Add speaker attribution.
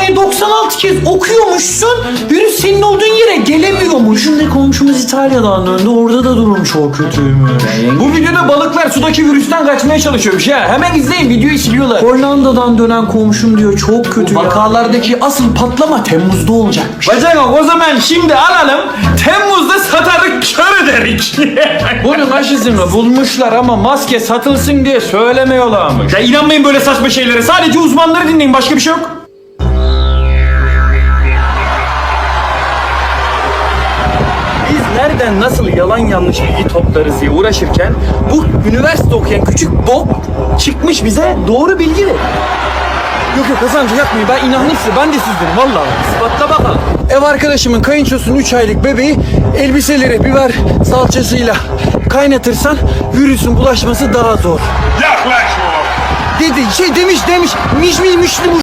Speaker 1: cümleyi 96 kez okuyormuşsun. Virüs senin olduğun yere gelemiyormuş. Şimdi komşumuz İtalya'dan döndü. Orada da durum çok kötüymüş.
Speaker 2: Bu videoda balıklar sudaki virüsten kaçmaya çalışıyormuş ha. Hemen izleyin, videoyu siliyorlar.
Speaker 1: Hollanda'dan dönen komşum diyor çok kötü ya.
Speaker 2: Vakalardaki asıl patlama Temmuz'da olacakmış.
Speaker 3: Bacak o zaman şimdi alalım. Temmuz'da satarık kör ederik.
Speaker 2: Bunun aşısını bulmuşlar ama maske satılsın diye söylemiyorlarmış.
Speaker 3: Ya inanmayın böyle saçma şeylere. Sadece uzmanları dinleyin. Başka bir şey yok. Biz nereden nasıl yalan yanlış bilgi toplarız diye uğraşırken bu üniversite okuyan küçük bok çıkmış bize doğru bilgi ver. Yok yok Hasancı yapmayın, ben inandım size, ben de sizdenim vallahi. İspatla bakalım. Ev arkadaşımın kayınçosunun 3 aylık bebeği elbiseleri biber salçasıyla kaynatırsan virüsün bulaşması daha zor.
Speaker 4: Yaklaşma.
Speaker 2: Dedi demiş